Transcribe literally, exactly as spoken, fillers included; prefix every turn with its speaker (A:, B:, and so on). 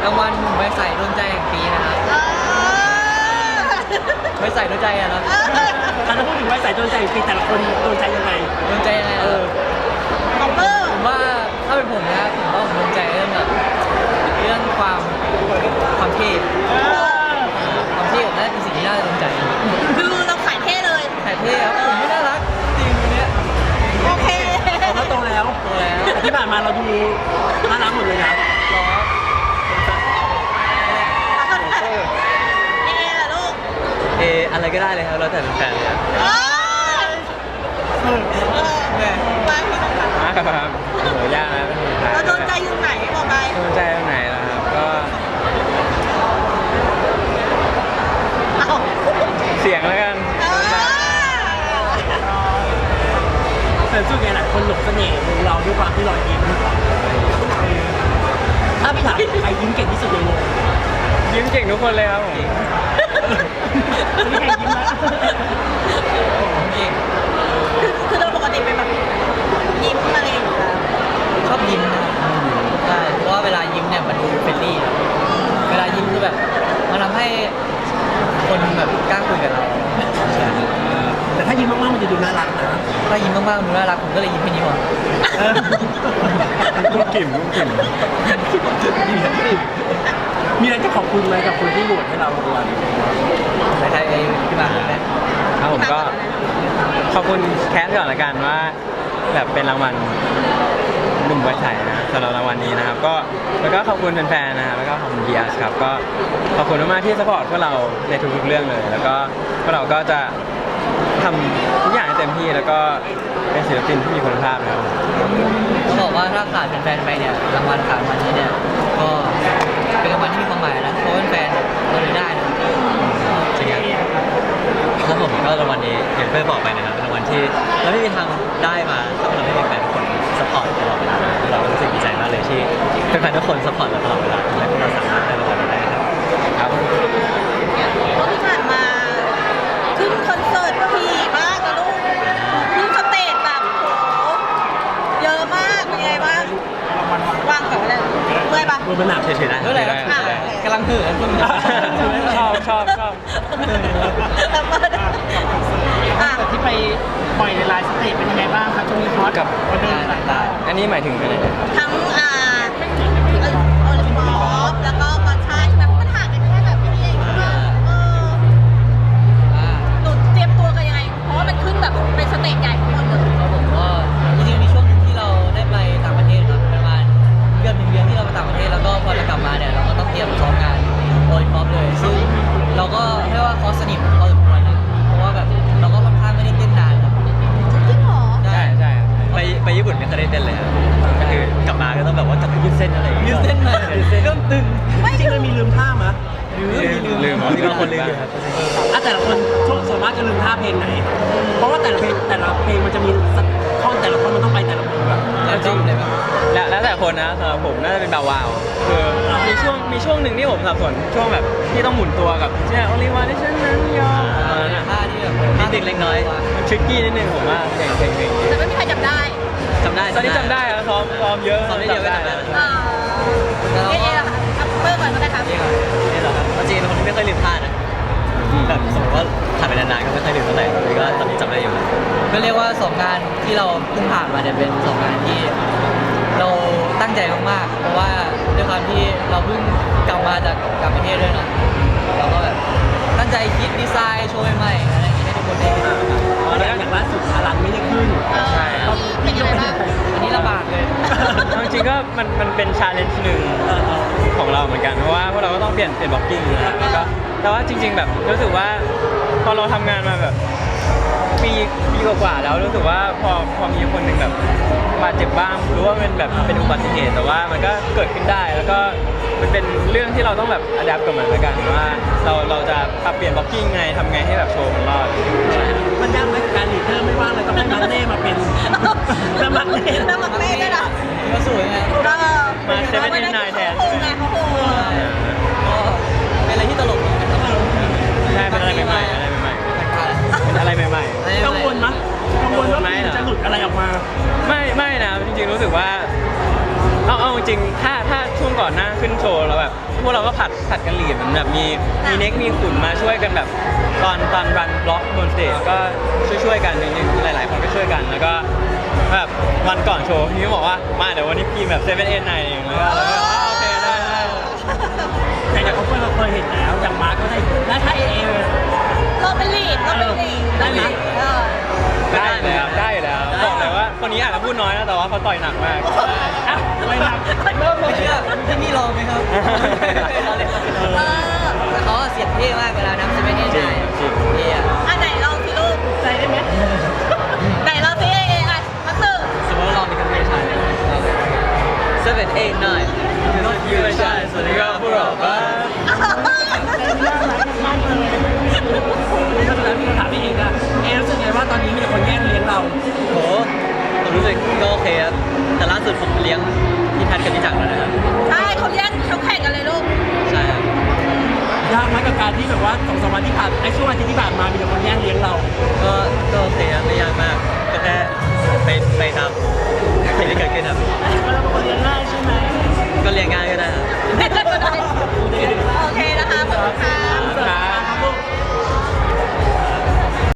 A: รางวัลหนุ่มใบใสโดนใจแห่งปีนะครับใบใสโดนใจอะครับ
B: ถ้าพูดถึงว่าสายโดนใจปีแต่ละคนโดนใจยังไง
A: โดนใจยังไงเออผมว่าถ้าเป็นผมนะผมว่าผมโดนใจเรื่องแบบเรื่องความความเท่ความเท่น่าเป็นสิ่งที่น่าจะโดนใจ
C: คือเราขายเท่เลย
A: ขายเท่ครับผมไม่น่ารักจริงวันนี้
C: โอเค
B: เราโตแล้ว
A: โตแล้ว
B: ที่ผ่านมาเราดูน่ารักหมดเลยนะ
A: หรอ
C: เอล่ะลูก
A: เออะไรก็ได้เลยครับเราแต่เป็นแฟนเลยครับ
C: เออเออมาที่ตรงนั้น
A: มาครับโหยากนะเป็นคนไทย
C: เราโดนใจอยู่ไหนบอกไป
A: โดนใจตรงไหนล่ะครับก็เสียงแล้วกัน
B: แต่จุดไงหลายคนหลงเสน่ห์ของเราด้วยความที่รอยยิ้มถ้าไปถามใครยิ้มเก่งที่สุดในวง
A: ยิ้มเก่งทุกคนเลยครับผม
B: นี่ใครยิ้มนะ
C: คือเราปกติเป็นแบบยิ้มอะไรอย่างเงี้ย
A: ชอบยิ้มนะใช่เพราะว่าเวลายิ้มเนี่ยมันดูเฟรนลี่เวลายิ้มคือแบบมันทำให้คนแบบกล้าคุยกับเรา
B: แต่ถ้ายิ้มมากๆมันจะดูน่ารักนะ
A: ถ้ายิ้มมากๆดูน่ารักผมก็เลยยิ้มแค่นี้หมด
B: กุ้งกิ่มกุ้งกิ่มมีอะไรจะขอบคุณไหมกับคนที่โหวตให้เราทุกวัน
A: ใครๆพี่มาเนี่ยครับผมก็ขอบคุณแคสก่อนละกันว่าแบบเป็นรางวัลหนุ่มไว้ใสนะสำหรับรางวัลนี้นะครับก็แล้วก็ขอบคุณแฟนๆนะครับแล้วก็ขอบคุณบีอาร์ครับก็ขอบคุณมากๆที่ซัพพอร์ตพวกเราในทุกๆเรื่องเลยแล้วก็พวกเราก็จะทำทุกอย่างให้เต็มที่แล้วก็เป็นศิลปินที่มีคุณภาพนะครับต้องบอกว่าถ้าขาดแฟนๆไปเนี่ยรางวัลขาดวันนี้เนี่ยก็เป็นรางวัลที่มีความหมายนะเพราะแฟนๆเราเลยได้นะจริงๆครับผมก็รางวัลนี้อย่างเพื่อนบอกไปนะครับเป็นรางวัลที่เราไม่มีทางได้มาถ้าเราไม่มีแฟนทุกคนซัพพอร์ตตลอดเวลาเรารู้สึกดีใจมากเลยที่แฟนๆทุกคนซัพพอร์ตเราตลอดเวลาทำให้พวกเราสามารถได้รางวัลนี้ได้ครับครับ
C: ก็ที่ผ่านมาขึ้นคอนเสิร์ตถี่มากนะลูกขึ้นสเตจแบบโหเยอะมากเป็นไงบ้างว่างกับอะไรเมื่อยปะ
B: มันหนักเฉยๆนะ
A: เมื่อไหร่กำลังเหื่อนชอบชอบชอบ
B: ที่ไปปล่อยในไลน์สเตจเป็นยังไงบ้างครับช่วงนี้ฮอต
A: กับงานต่างๆอันนี้หมายถึงอะไร
C: ทั้งอ่าโอลิมปิกแล้วก็กอนชายแบบมันห่างกันแค่แบบนี้เองใช่ไหมเออหนูเตรียมตัวกันยังไงเพราะว่ามันขึ้นแบบเป็นสเตจใหญ่ทั้งหมดเลย
A: ครับผมก็จริงๆมีช่วงนึงที่เราได้ไปต่างประเทศครับประมาณเกือบหนึ่งเดือนที่เราไปต่างประเทศแล้วก็พอเรากลับมาเนี่ยเราก็ต้องเตรียมซ้อมงานโอลิมปิกเลยซึ่งเราก็เรียกว่าคอสนิทพอสมควรนะเพราะว่าแบบเราก็ค่อนข้างไม่ได้เต้นนานครับ
C: จริงเหรอ
A: ใช่ใช่ไปไปญี่ปุ่นไม่เคยได้เต้นเลยครับก็คือกลับมาก็ต้องแบบว่ากลับไปยืดเส้นอะไรยืดเส้นมาเริ่มตึง
B: จริงๆมันมีลืมท่ามั้ย
A: ลืมลืมที่บางคนลืมอยู่ครับ
B: อ่ะแต่ละคนส่วนมากจะลืมท่าเพลงไหนเพราะว่าแต่ละเพลงแต่ละเพลงมันจะมีท่อนแต่ละท่อนมันต้องไปแต่ละมุมแบบ
A: แล้วจริงเลยป่ะแล้วแล้วแต่คนนะสำหรับผมน่าจะเป็นแบบว้าวคือมีช่วงมีช่วงหนึ่งที่ผมสับสนช่วงแบบที่ต้องหมุนตัวกับเช่นโอลิวาที่ฉันนั้นยอมท่าที่แบบนิดเด็กเล็กน้อยทริกกี้นิดนึงผมว่าเพลงเพลงเพลง
C: แต่ไม่มีใครจำได้
A: จำได้ตอนนี้จำได้ครับซ้อมซ้อมเยอะซ้อมได้เดียวก็จำได้
C: อ่าเอ๊ะเอ๊ะค่ะเพิ่มก่อนก็ได้ครับ
A: นี่เหรอครับจริงๆเป็นคนที่ไม่เคยลืมท่านะแบบสมมติว่าผ่านไปนานๆก็ไม่เคยลืมเท่าไหร่นี่ก็ตอนนี้จำได้อยู่ก็เรียกว่าสองงานที่เราเพิ่งผ่านมาเนี่ยเป็นสองงานที่เราตั้งใจมากๆเพราะว่าด้วยความที่เราเพิ่งกลับมาจากต่างประเทศด้วยเนาะเราก็แบบตั้งใจคิดดีไซน์โชว์ใหม่ๆอะไรอย่างเงี้ยให้ทุกคนได้เห็น
B: แล้วอย่างล่าสุดพลังไม่ได้ขึ้น
A: ใช่
C: เป็นยังไงบ้าง
A: อันนี้ลำบากเลยจริงๆก็มันมันเป็นชาเลนจ์หนึ่งของเราเหมือนกันเพราะว่าพวกเราก็ต้องเปลี่ยนเปลี่ยนบล็อกกิ้งนะก็แต่ว่าจริงๆแบบรู้สึกว่าพอเราทำงานมาแบบปีปีกว่าๆแล้วรู้สึกว่าพอพอมีคนหนึ่งแบบบาดเจ็บบ้างรู้ว่าเป็นแบบเป็นอุบัติเหตุแต่ว่ามันก็เกิดขึ้นได้แล้วก็มันเป็นเรื่องที่เราต้องแบบอัดแอปกับมันเหมือนกันว่าเราเราจะปรับเปลี่ยนบล็อกกิ้งไงทำไงให้แบบโชว์มันรอด
B: มันยากไหมการลีดเดอร์ไม่ว่างเลยต้องให้มาเน่มาเป็นสมัครเน่
C: สมัครเน่ได้หรอ
A: ก็สวยไงมาเซเว่นเอ็นไนน์แทน
C: เขาโหไงเขาโห
A: ก็เป็นอะไรที่ตลกนะครับใช่เป็นอะไรใหม่ๆอะไรใหม่ๆเป็นอะไรใหม่ๆ
B: กังวลมั้ยกังวลว่าจะหลุดอะไรออกมา
A: ไม่ไม่นะจริงๆรู้สึกว่าเอาเอาจริงถ้าถ้าช่วงก่อนหน้าขึ้นโชว์เราแบบพวกเราก็ผัดผัดกันหลีดเหมือนแบบมีมีเน็กมีขุนมาช่วยกันแบบตอนตอนรันบล็อกบนสเตจก็ช่วยช่วยๆกันจริงๆหลายๆคนก็ช่วยกันแล้วก็แบบวันก่อนโชว์พี่ก็บอกว่ามาเดี๋ยววันนี้พี่แบบเซเว่นเอ็นไนเองแล้วก็เราก็อ๋อโอเคได้ได้
B: แต่อย่างเขาเคยเราเคยเห็นแล้วอย่างมาร์คก็ได้แล้วถ้าเอเอ
C: เราเป็นลีดเราเป็นลีด
B: ได้ไหม
C: เออ
A: ได้เลยครับได้อยู่แล้วบอกเลยว่าคนนี้อาจจะพูดน้อยนะแต่ว่าเขาต่อยหนักมาก
B: อ่ะไม่หนักเริ่มเลยอ่ะ
D: ที่นี่ลองไหมครับ
C: เออ
D: แต่เขาเสียงเท่มากเวลานับจะไม่ได้
A: จริ
D: ได้
A: งจริง
D: เท่อะ
C: อันไหนลองสิลูกใส่ได้ไหมไหนลองสิเอเออ่ะมาตื่น
D: สมมติว่าเรามีคำพูดใช่ seven eight nine not you and I
A: สวัสดีครับพวกเราบ้าน
B: เพราะฉะนั้นพี่ก็ถามเอเองอะเอรู้สึกไงว่าตอนนี้มีแต่คนแย่งเลี้ยงเรา
D: โหผมรู้สึกก็โอเคครับแต่ล่าสุดผมเลี้ยงพี่ทัศน์กับพี่จักรแล้วนะครับ
C: ใช่เขาแย่งเขาแข่งกันเลยลูก
D: ใช่ครับ
B: ยากไหมกับการที่แบบว่าสองสามวันที่ผ่านไอ้ช่วงอาทิตย์ที่ผ่านมามีแต่คนแย่งเลี้ยงเรา
D: ก็ก็โอเคครับไม่ยากมากก็แค่ไปไปตาม